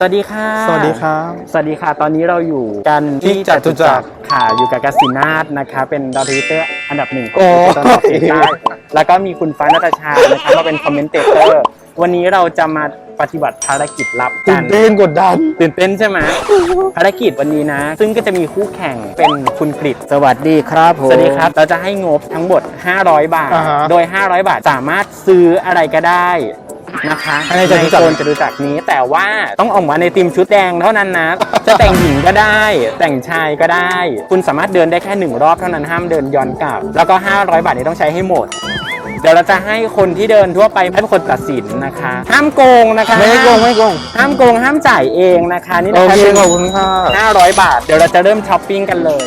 สวัสดีค่ะสวัสดีครับสวัสดีค่ะตอนนี้เราอยู่กันที่จตุจักรค่ะอยู่กับกสินาทนะคะเป็นดาวทวิตเตอร์อันดับหนึ่งขอโอ้งตอนติดได้แล้วก็มีคุณฟ้านาตาชานะคะมาเป็นคอมเมนเตเตอร์วันนี้เราจะมาปฏิบัติภารกิจลับกัตื่นเต้นกดดันตื่นเต้นใช่ไหมภารกิจวันนี้นะ ซึ่งก็จะมีคู่แข่งเป็นคุณกฤษสวัสดีครับผมสวัสดีครับเราจะให้งบทั้งหมด500 บาท โดย500 บาทสามารถซื้ออะไรก็ได้นะคะในโซนจตุจักรนี้แต่ว่าต้องออกมาในทีมชุดแดงเท่านั้นนะ จะแต่งหญิงก็ได้ แต่งชายก็ได้ คุณสามารถเดินได้แค่1 รอบเท่านั้นห้ามเดินย้อนกลับแล้วก็500 บาทนี้ต้องใช้ให้หมดเดี๋ยวเราจะให้คนที่เดินทั่วไปเป็นคนตัดสินนะคะห้ามโกงนะคะไม่โกงห้ามโกงห้ามจ่ายเองนะคะนี่โอนะคะเคเป็นขอบคุณค่ะ 500 บาทเดี๋ยวเราจะเริ่มช้อปปิ้งกันเลย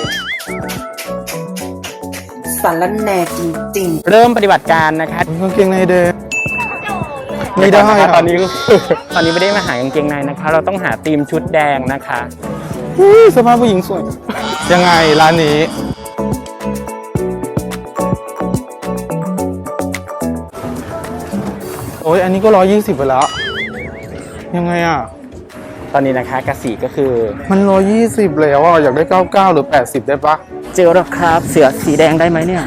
สารแหน่จริงๆเริ่มปฏิบัติการนะคะกางเกงในเดงไม่ได้นะคะตอนนี้ตอนนี้ไม่ได้มาหากางเกงในนะคะ เราต้องหาธีมชุดแดงนะคะสภาพผู้หญิงสวยยังไงร้านนี้โอ้ยอันนี้ก็120ไปแล้วยังไงอ่ะตอนนี้นะคะกสีก็คือมัน120แล้วอ่ะอยากได้99หรือ80ได้ปะเจลแล้วครับเสือสีแดงได้ไหมเนี่ย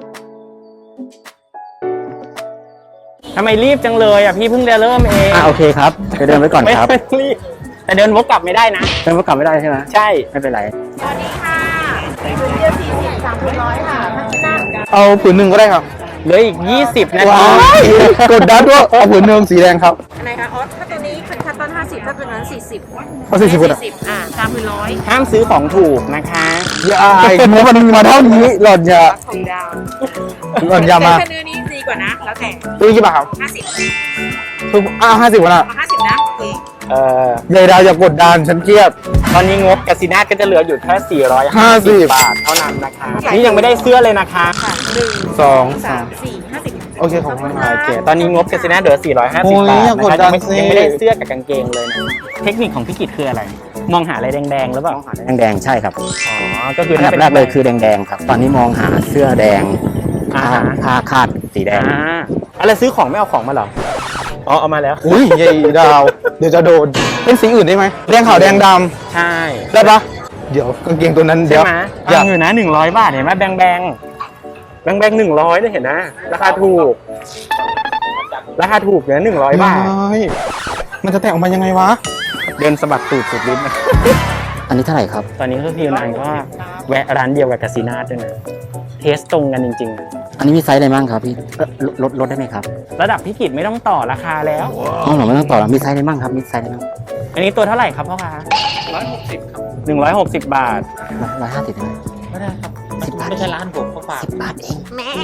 ทำไมรีบจังเลยอ่ะพี่เพิ่งจะเริ่มเองโอเคครับไปเดินไว้ก่อนครับไม่รีบแต่เดินวกกลับไม่ได้นะเดินก็กลับไม่ได้ใช่ไหมใช่ไม่เป็นไรสวัสดีค่ะผืนเดียว40 300ค่ะพัชนาเอาผืนหนึ่งก็ได้ครับเหลืออีก20นาทีว้ายกดดันด้วยเอาผืนหนึ่งสีแดงครับอันไหนคะอ๋อถ้าตัวนี้เป็นคัตตอน50ถ้าตัวนั้น40 เอา40 3ผืนร้อยห้ามซื้อของถูกนะคะอย่าอายเมื่อมันมีมาเท่านี้หล่อนอย่าของดาวหล่อนอย่ามาแต่เนื้อนี้ดีกว่านะ แล้วแต่ตัวนี้กี่บาทครับ 50 ทุก50วันอ่ะเอา50นะโอเคยายดาวอย่ากดดันฉันเครียดตอนนี้งบกสินาทก็จะเหลืออยู่แค่450 บาทเท่านั้นนะคะนี่ยังไม่ได้เสื้อเลยนะคะค่ะ1 2 3 4 50 โอเคขอบคุณโอเค ตอนนี้งบกสินาทเหลือ450 โอ้ยบาทอย่ากนะดคะดัยันงไม่สิยังไม่ได้เสื้อกับกางเกงเลยนะ เทคนิคของพี่กิตคืออะไร มองหาอะไรแดงๆหรือเปล่าแดงๆใช่ครับอ๋อ ก็คืออันถ้าดับเป็นแรกเลยคือแดงๆครับ ตอนนี้มองหาเสื้อแดง ผ้าคาดสีแดงอะไรซื้อของไม่เอาของมาเหรอ อ๋อ เอามาแล้วอุ้ยยายดาว เดี๋ยวจะโดน เป็นสีอื่นได้ไหมแดงขาวแดงดใช่ำได้ปะเดี๋ยวกางเกงตัวนั้นเดี๋ใช่ยวไหมอยากอยู่นะ100 บาทเห็นไหมแบง100เนี่ยเห็นนะ ราคาถูก ราคาถูกเนี่ย100 บาทไม่มันจะแต่งออกมายังไงวะเดินสะบัดตูดสุดฤทธิ์นะอันนี้เท่าไหร่ครับตอนนี้ก็พี่นางก็แวะร้านเดียวกับกาซินาด้วยนะ เทสตรงกันจริงอันนี้มีไซส์อะไรบ้างครับพี่ลดได้ไหมครับๆ ระดับพี่กิจไม่ต้องต่อราคาแล้วอ๋อเราไม่ต้องต่อแล้วมีไซส์อะไรบ้างครับมีไซส์อะไรบ้างอันนี้ตัวเท่าไหร่ครับพ่อค้า160 ครับ160 บาท 150ได้ไหมไม่ได้ครับ 10 บาทไม่ใช่ร้านผมเขาฝาก 10 บาทเอง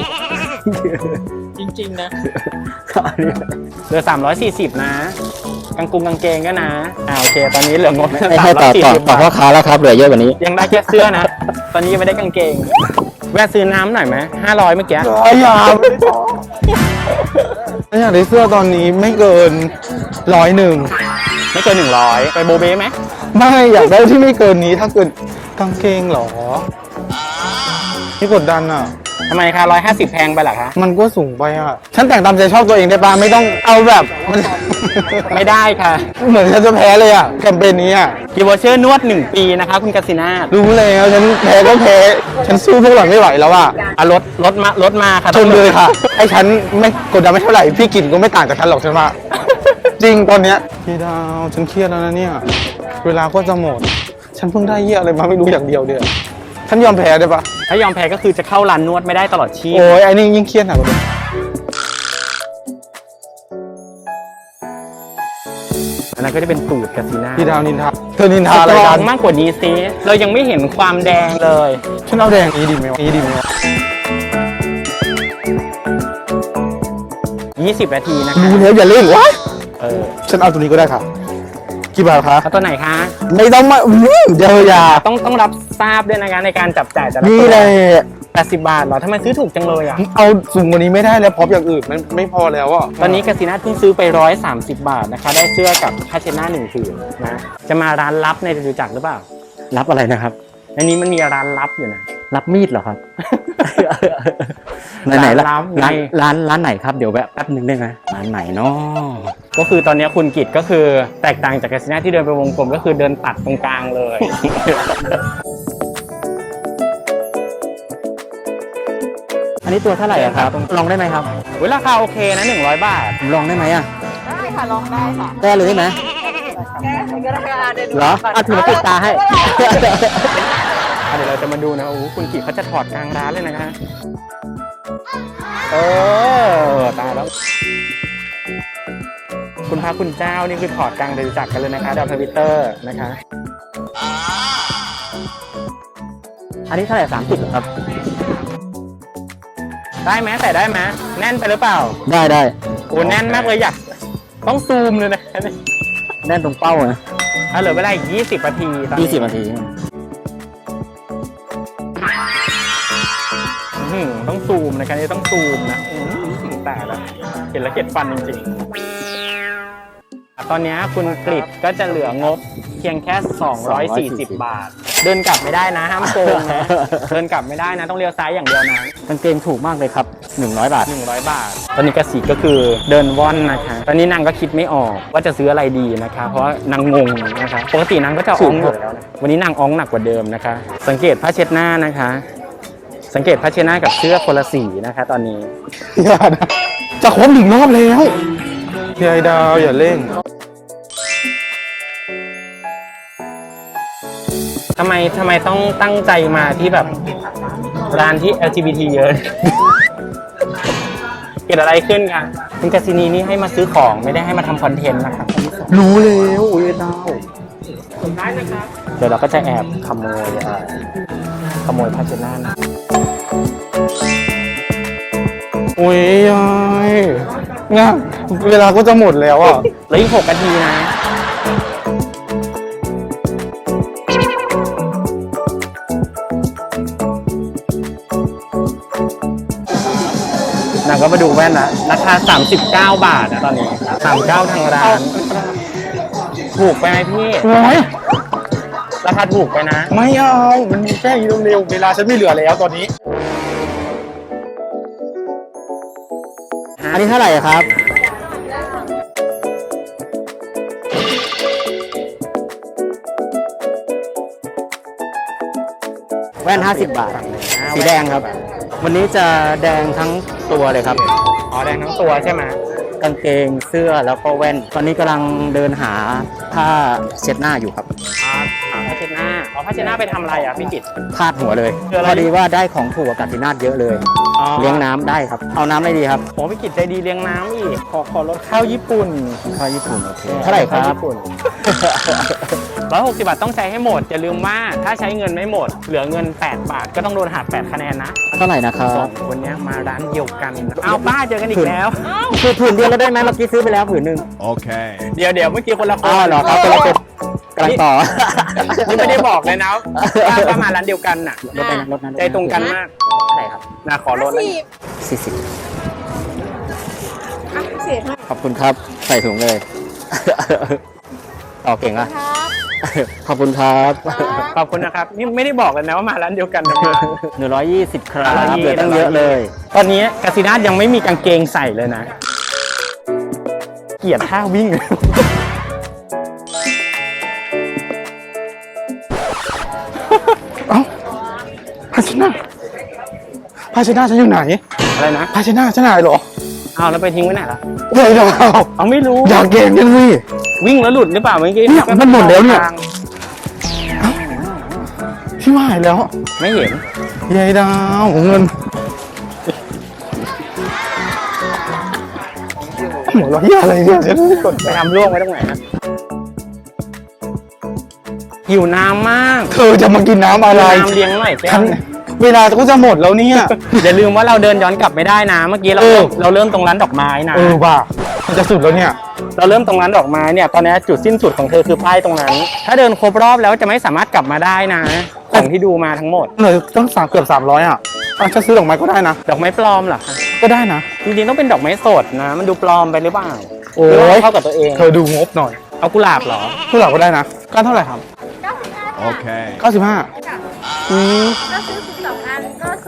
จริงๆนะเหลือ340นะกางเกงก็นะโอเค ตอนนี้เหลืองบไม่ให้ต่อพ่อค้าแล้วครับเหลือเยอะกว่านี้ยังได้แค่เสื้อนะ ตอนนี้ยังไม่ได้กางเกง แวะซื้อน้ำหน่อยไหม500เมื่อกี้อย่าไม่ได้ต่อถ้าอยากได้เสื้อตอนนี้ไม่เกิน101 ไม่เกิน100ไปโบเบ้ไหมไม่อยากได้ที่ไม่เกินนี้ถ้าเกินกางเกงเหรอนี่กดดันอ่ะทำไมคะ150แพงไปเหรอคะมันก็สูงไปอ่ะ ฉันแต่งตามใจชอบตัวเองได้ปะไม่ต้องเอาแบบมันไม่ได้ค่ะเหมือนฉันจะแพ้เลยอ่ะแคมเปญนี้อ่ะกิวอเชอร์นวด1 ปีนะคะคุณกสินาทรู้แล้วฉันแพ้ก็แพ้ฉันสู้พวกหล่อนไม่ไหวแล้วอ่ะรถมาค่ะชนเลยค่ะไอ้ฉันไม่กดดันไม่เท่าไหร่พี่กินก็ไม่ต่างจากฉันหรอกฉันว่า จริงตอนเนี้ยพี่ดาวฉันเครียดแล้วนะเนี่ยเวลาก็จะหมด ฉันเพิ่งได้เยี่ยอะไรมาไม่รู้อย่างเดียวเดียวฉันยอมแพ้ได้ปะถ้ายอมแพ้ก็คือจะเข้าร้านนวดไม่ได้ตลอดชีพโอ้ยไอ้นี่ยิ่งเครียดหนักกว่าเดิมอันนั้นก็จะเป็นตูดกสินาพี่ดาวนินทาเธอนินทาอะไรสตรกัอน งมากกว่านี้ซิเรายังไม่เห็นความแดงเลยฉันเอาแดงนี้ดีไหมวะนี้ดีไหมวะ 20 นาทีนะคะรู้แล้วอย่าเล่นวะ ฉันเอาตัวนี้ก็ได้ค่ะกี่บาทคะแล้วตัวไหนคะไม่ต้องมาเดี๋ยวอย่าต้องรับทราบด้วยนะคะในการจับจ่ายแต่ละนี่ตัวแหละ 80 บาทเหรอทำไมซื้อถูกจังเลยอ่ะเอาสูงกว่านี้ไม่ได้แล้วพร้อมอย่างอื่นมันไม่พอแล้วอ่ะตอนนี้กสินาเพิ่งซื้อไป130 บาทนะคะ ได้เสื้อกับผ้าเช็ดหน้า1 ผืนนะ จะมาร้านลับในจตุจักรหรือเปล่ารับอะไรนะครับในนี้มันมีร้านลับอยู่นะรับมีดเหรอครับ ไหนๆร้านร้านไหนครับเดี๋ยวแวะแป๊บนึงได้ไหมร้านไหนเนาะก็คือตอนนี้คุณกิตก็คือแตกต่างจากกาซิน่าที่เดินไปวงกลมก็คือเดินตัดตรงกลางเลยอันนี้ตัวเท่าไหร่อะครับลองได้ไหมครับราคาโอเคนะ100 บาทลองได้ไหมอะได้ค่ะลองได้ค่ะแก้เลยได้ไหมแก้ไขก็ได้ค่ะเดี๋ยวดูเหรอเอาถือมาปิดตาให้เดี๋ยวเราจะมาดูนะโอ้โหคุณกิตเขาจะถอดกลางร้านเลยนะคะตายแล้ว คุณพระคุณเจ้านี่คือถอดกลางเดินจักรกันเลยนะคะดาวทวิตเตอร์นะคะอันนี้เท่าไหร่30ครับได้ไหมใส่ได้ไหมแน่นไปหรือเปล่าได้โอ้แน่นมากเลยอยากต้องซูมเลยนะแน่นตรงเป้านะเหลือเวลาอีก20 นาทีตอนนี้ 20 นาทีต้องซูมนะคะนี่ต้องซูมนะแต่ละเห็นแล้วเก็ดฟันจริงๆตอนนี้คุณกฤษก็จะเหลืองบเพียงแค่240 บาท เดินกลับไม่ได้นะห้ามโกงนะ เดินกลับไม่ได้นะต้องเลี้ยวซ้ายอย่างเดียวนะกางเกงถูกมากเลยครับ100 บาท 100 บาท ตอนนี้กสิก็คือเดินว่อนนะคะ ตอนนี้นางก็คิดไม่ออกว่าจะซื้ออะไรดีนะคะ เพราะว่านางงงนะคะปกตินางก็จะอ้องอยู่แล้วนะวันนี้นางอ้องหนักกว่าเดิมนะคะ สังเกตผ้าเช็ดหน้านะคะ สังเกตผ้าเช็ดหน้ากับเสื้อคนละสีนะคะ ตอนนี้อย่านะจะครบ1 รอบแล้วยายดาวอย่าเร่งทำไมต้องตั้งใจมาที่แบบร้านที่ LGBT เยอะ เกิดอะไรขึ้นคะคุณกาซินีนี่ให้มาซื้อของไม่ได้ให้มาทำคอนเทนต์นะครับรู้แล้วอุ้ยดาวได้นะครับเดี๋ยวเราก็จะแอบขโมยผ้าเช็ดหน้านะอุ้ยยายเนี่ยเวลาก็จะหมดแล้วอ่ะเหลืออีก6 นาทีนะนางก็มาดูแว่นละราคา39 บาทนะตอนนี้39ทางร้าน ถูกไปไหมพี่ ราคาถูกไปนะไม่เอา มันมีแค่นี้เร็วๆเวลาฉันไม่เหลือแล้วตอนนี้อันนี้เท่าไหร่ครับ แว่น50 บาท สีแดงครับ วันนี้จะแดงทั้งตัวเลยครับอ๋อแดงทั้งตัวใช่ไหมกางเกงเสื้อแล้วก็แว่น ตอนนี้กำลังเดินหาผ้าเช็ดหน้าอยู่ครับผ้าเช็ดหน้าเอาผ้าเช็ดหน้าไปทำอะไรอ่ะพี่กิตพาดหัวเลยคืออะไรพอดีว่าได้ของถูกกับกาซินาทเยอะเลย เลี้ยงน้ำได้ครับ เอาน้ำอะไรดีครับโอ้พี่กิตใจดีเลี้ยงน้ำอีกขอลดข้าวญี่ปุ่นข้าวญี่ปุ่นโอเค เท่าไหร่ครับญี่ปุ่น 160 บาทต้องใช้ให้หมดอย่าลืมว่าถ้าใช้เงินไม่หมด เหลือเงิน8 บาทก็ต้องโดนหัก8 คะแนนนะเท่าไหร่นะครัสอบ งคนเนี้ยมาร้านเดียวกันเอาป้าเจอกันอีกแล้วคือผืนเดียวแล้วได้ไหมเมื่อกี้ซื้อไปแล้วผืนหนึ่ง Okay. เดี๋ยวเมื่อกี้คนละคอ๋นอเหรอครับคนละเป็นกำลังต่อนี่ไม่ได้บอกเลยนะว่ามาร้านเดียวกันน่ะรถไปนะรถนั้นใจตรงกันมากเท่าไหร่ครับนะขอลดแล้ว 40 เสียให้ขอบคุณครับ ใส่ถุงเลย ต่อเก่งอ่ะครับขอบคุณครับขอบคุณนะครับนี่ไม่ได้บอกเลยนะว่ามาร้านเดียวกันนะ 120 ครับเหลือตั้งเยอะเลยตอนนี้กาซินาทยังไม่มีกางเกงใส่เลยนะ เกลียดท่าวิ่งเอ้าภาชนะฉันอยู่ไหนอะไรนะภาชนะฉันหายเหรอเอาแล้วไปทิ้งไว้ไหนล่ะยายดาวเอาไม่รู้อย่าเก่งกันสิวิ่งแล้วหลุดหรือเปล่าเมื่อกี้เนี่ยมันหมดแล้วเนี่ย พี่ว่าหายแล้วไม่เห็นยายดาวเงินหมดแล้วที่อะไรเนี่ยฉันไม่กดไปทำร่วงไว้ตรงไหนนะหิวน้ำมากเธอจะมากินน้ำอะไรน้ำเลี้ยงหน่อยแก้ฉัวนเวลาก็จะหมดแล้วเนี่ยอย่าลืมว่าเราเดินย้อนกลับไม่ได้นะ เมื่อกี้เราเริ่มตรงร้านดอกไม้นะว่ามันจะสุดแล้วเนี่ยเราเริ่มตรงร้านดอกไม้เนี่ยตอนนี้จุดสิ้นสุดของเธอคือป้ายตรงนั้น ถ้าเดินครบรอบแล้วจะไม่สามารถกลับมาได้นะของที่ดูมาทั้งหมดเลยต้องเกือบ300อ่ะจะซื้อดอกไม้ก็ได้นะดอกไม้ปลอมเหรอคะก็ได้นะจริงๆต้องเป็นดอกไม้สดนะ มันดูปลอมไปหรือเปล่าโอ้หรือว่าย เข้ากับตัวเองเธอดูงบหน่อยเอากุหลาบเหรอผู้หลักก็ได้นะก้านเท่าไหร่ครับ Okay. 95 ก็ซื้อ12 อันก็ส่งโอเค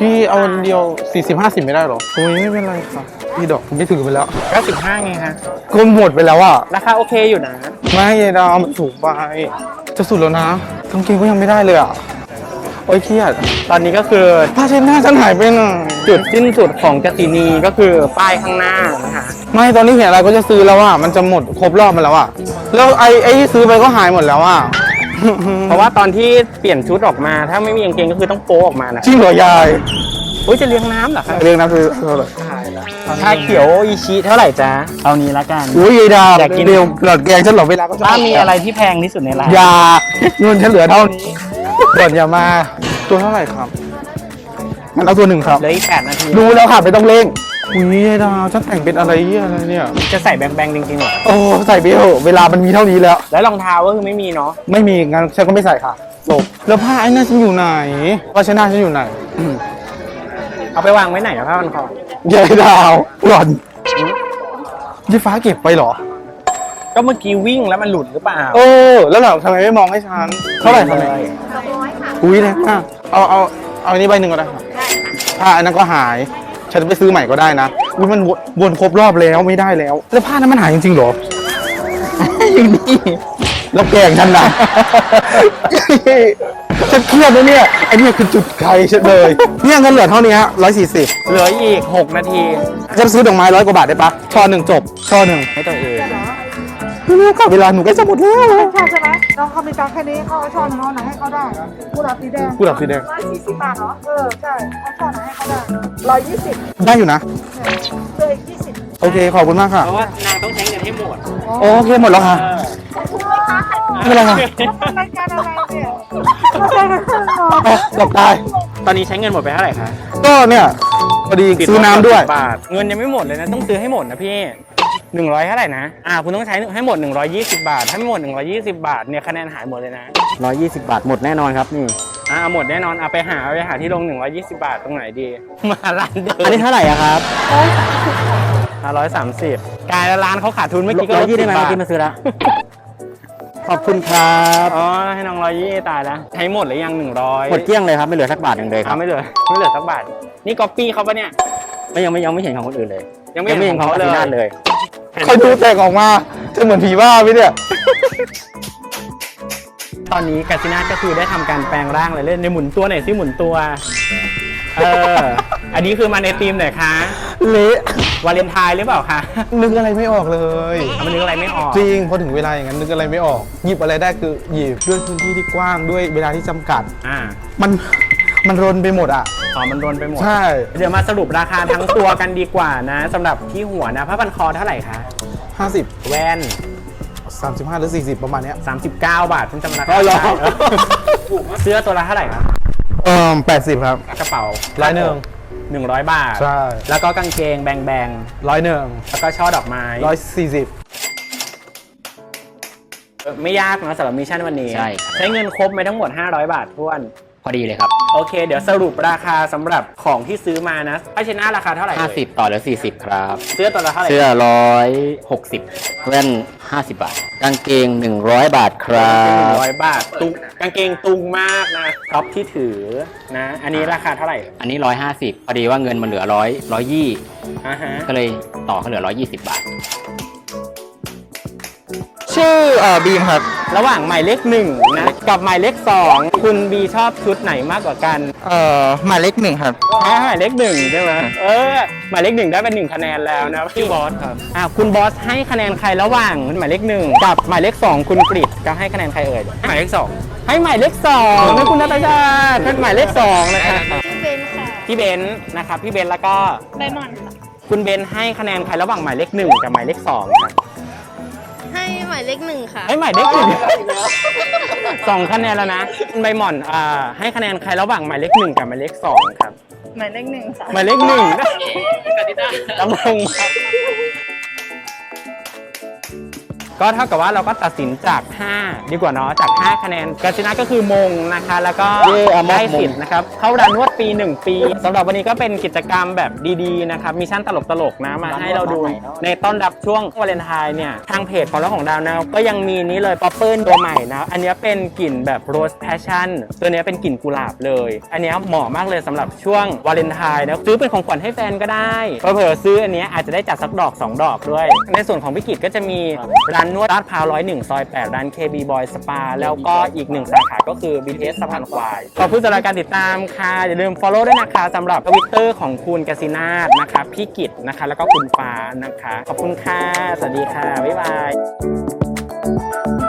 พี่เอาอันเดียว40-50ไม่ได้หรอโอ้ยไม่เป็นไรค่ะพี่ดอกไม่ถือไปแล้ว 95ไงคะก็หมดไปแล้วอ่ะราคาโอเคอยู่นะไม่ยายดาวมันสูงไปจะสุดแล้วนะกางเกงก็ยังไม่ได้เลยอ่ะโอ้ยเครียดตอนนี้ก็คือผ้าเช็ดหน้าฉันหายไปไหนจุดสิ้นสุดของกสินีก็คือป้ายข้างหน้านะคะไม่ตอนนี้เห็นอะไรก็จะซื้อแล้วอ่ะมันจะหมดครบรอบมาแล้วอ่ะแล้วไอ้ที่ซื้อไปก็หายหมดแล้วอ่ะเพราะว่าตอนที่เปลี่ยนชุดออกมา ถ้าไม่มีกางเกงก็คือต้องโป๊ออกมานะจริงเหรอยายอุ้ยจะเลี้ยงน้ำเหรอคะเรียกนะคือเท่าไหร่ชาเขียวอิชิเท่าไหร่จ๊ะเอานี้ละกันอุ้ยยายดาวอยากกินเดียวหลอดแกงฉันหลอดเวลาก็ป้ามีอะไรที่แพงที่สุดในร้านยาเงินฉันเหลือเท่านี้ก่อนอย่ามาตัวเท่าไหร่ครับงั้นเอาตัวหนึ่งครับเหลืออีก8 นาทีดูแล้วค่ะไม่ต้องเร่งอุ้ยยายดาวฉันแต่งเป็นอะไรอะไรเนี่ยจะใส่แบงๆจริงๆเหรอโอ้ใส่ไปเถอะเวลามันมีเท่านี้แล้วแล้วรองเท้าก็คือไม่มีเนาะไม่มีงั้นฉันก็ไม่ใส่ค่ะจบแล้วผ้าไอ้นั่นฉันอยู่ไหนผ้าเช็ดหน้าฉันอยู่ไหนเอาไปวางไว้ไหนอะผ้าพันคอยายดาวหล่อนยี่ฟ้าเก็บไปเหรอก็เมื่อกี้วิ่งแล้วมันหลุดหรือเปล่าเออแล้วเราทำไมไม่มองให้ฉันเท่าไหร่ครับเลยอุ้ยเนี่ยอ่ะเอาอันนี้ใบหนึ่งก็ได้ครับผ้าอันนั้นก็หายฉันไปซื้อใหม่ก็ได้นะอุ้ยมันวนครบรอบแล้วไม่ได้แล้วแล้วผ้านั้นมันหายจริงๆเหรออยู่นี่แล้วแกล้งฉันนะ ฉันเครียดนะเนี่ยไอ้เนี่ยคือจุดใครฉันเลยเนี่ยเงินเหลือเท่านี้ฮะ140 เหลืออีก6 นาทีฉันซื้อดอกไม้100 กว่าบาทได้ปะช่อหนึ่งจบช่อหนึ่งให้ตัวเองไม่รู้ค่ะเวลาหนูใกล้จะหมดแล้วใช่ไหมน้องเขามีตังค์แค่นี้เขาเอาช่อหนึ่งเอาไหนให้เขาได้กุหลาบสีแดงกุหลาบสีแดง 140 บาทเหรอใช่เอาช่อไหนให้เขาได้120 ได้อยู่นะเหลืออีก20 โอเคขอบคุณมากค่ะเพราะว่านางต้องใช้เงินให้หมดโอเคหมดแล้วค่ะ ไม่เป็นไรค่ะรายการอะไรเนี่ยไม่ใช่กันหรออ๋อหลบตายตอนนี้ใช้เงินหมดไปเท่าไหร่คะก็เนี่ยพอดีซื้อน้ำด้วยบาทเงินยังไม่หมดเลยนะต้องซื้อให้หมดนะพี่100เท่าไหร่นะคุณต้องใช้ให้หมด120 บาทถ้าไม่หมด120 บาทเนี่ยคะแนนหายหมดเลยนะ 120 บาทหมดแน่นอนครับนี่หมดแน่นอนไปหาที่ลง120 บาทตรงไหนดี มาร้านเดิมอันนี้เท่าไหร่อะครับ 130กลายแล้วร้านเขาขาดทุนเมื่อกี้ก็ลด 120ได้ไหม 10 บาเมื่อทกี้มาซื้อละขอบคุณครับอ๋อให้น้อง120ตายแล้วใช้หมดหรือยัง100 หมดเกลี้ยงเลยครับไม่เหลือสักบาทหนึ่งเลยครับไม่เหลือสักบาทนี่ก๊อปปี้เขาปะเนี่ยยังไม่เห็นของคนอื่นเลยยังไม่เห็นของเขาอาทินาเลยคอยดูแต่งออกมาจะเหมือนผีบ้าไหมเนี่ยตอนนี้กาซินาก็คือได้ทำการแปลงร่างเลยเล่นในหมุนตัวหน่อยซิหมุนตัวอันนี้คือมาในธีมไหนคะเละวาเลนไทน์หรือเปล่าคะนึกอะไรไม่ออกเลยมันนึกอะไรไม่ออกจริงพอถึงเวลาอย่างนั้นนึกอะไรไม่ออกหยิบอะไรได้คือหยิบด้วยพื้นที่ที่กว้างด้วยเวลาที่จำกัด มันรนไปหมดอ่ะมันรวนไปหมดใช่เดี๋ยวมาสรุปราคาทั้งตัวกันดีกว่านะสำหรับที่หัวนะผ้าพันคอเท่าไหร่คะ 50 แว่น 35หรือ40ประมาณเนี้ย 39 บาทฉันจำราคาอ๋อเหรอได้เสื้อตัวละเท่าไหร่ครับ 80ครับกระเป๋า 100 บาทใช่แล้วก็กางเกงแบง 101 แล้วก็ช่อดอกไม้ 140 ไม่ยากนะสำหรับมิชชั่นวันนี้ใช่ครับใช้เงินครบไปทั้งหมด500 บาทท้วนพอดีเลยครับโอเค เดี๋ยวสรุปราคาสำหรับของที่ซื้อมานะผ้าเช็ดหน้าราคาเท่าไหร่เอ่ย 50 ต่อเหลือ40 ครับเสื้อตัวละเท่าไหร่เสื้อ160แว่น50 บาทกางเกง100 บาทครั 100 บาทตุงกางเกงตุงมากนะท็อปที่ถือนะ อันนี้ราคาเท่าไหร่อันนี้150พอดีว่าเงินมันเหลือ120 อ่าฮะก็เลยต่อเขาเหลือ120 บาทชื่อบีมครับระหว่างหมายเลข1นะกับหมายเลข2คุณบีชอบชุดไหนมากกว่ากันหมายเลข1ครับหมายเลข1ใช่ไหมหมายเลข1ได้เป็น1คะแนนแล้วนะพี่บอสครับคุณบอสให้คะแนนใครระหว่างหมายเลข1กับหมายเลข2คุณกฤษก็ให้คะแนนใครเอ่ยหมายเลข2ให้หมายเลข2ให้คุณนัตยาเป็นหมายเลข2นะครับเบนค่ะพี่เบนซ์นะครับพี่เบนซ์แล้วก็ใบหมอนค่ะคุณเบนซ์ให้คะแนนใครระหว่างหมายเลข1กับหมายเลข2ครับให้หมายเลข1ค่ะให้หมายเลข1 2 คะแนนแล้วนะคุณใบหม่อนให้คะแนนใครระหว่างหมายเลข1กับหมายเลข2ครับหมายเลข1ค่ะหมายเลข1กติกาดำรงก็เท่ากับว่าเราก็ตัดสินจาก 5 ดีกว่าเนาะจาก 5 คะแนนกาซินะก็คือมงนะคะ แล้วก็ได้สิทธิ์นะครับเข้าร้านนวดปี 1 ปีสำหรับวันนี้ก็เป็นกิจกรรมแบบดีๆนะครับมิชชั่นตลกๆนะมาให้เราดูในต้อนรับช่วงวาเลนไทน์เนี่ยทางเพจของเราของดาวนะก็ยังมีนี้เลยป๊อปเปิลตัวใหม่นะอันนี้เป็นกลิ่นแบบโรสแพชชั่นตัวนี้เป็นกลิ่นกุหลาบเลยอันนี้เหมาะมากเลยสำหรับช่วงวาเลนไทน์นะซื้อเป็นของขวัญให้แฟนก็ได้เผื่อซื้ออันนี้อาจจะได้จัดสักดอก 2 ดอกด้วยในส่วนของพี่กิจก็จะมีร้านนวดลาดพร้าว101 ซอย 8 ร้าน KB Boy Spa แล้วก็อีก1สาขาก็คือ BTS สะพานควายขอบคุณสำหรับการติดตามค่ะอย่าลืม follow ด้วยนะคะสำหรับ Twitter ของคุณกสินาถนะคะพี่กิจนะคะแล้วก็คุณฟ้านะคะขอบคุณค่ะสวัสดีค่ะบ๊ายบาย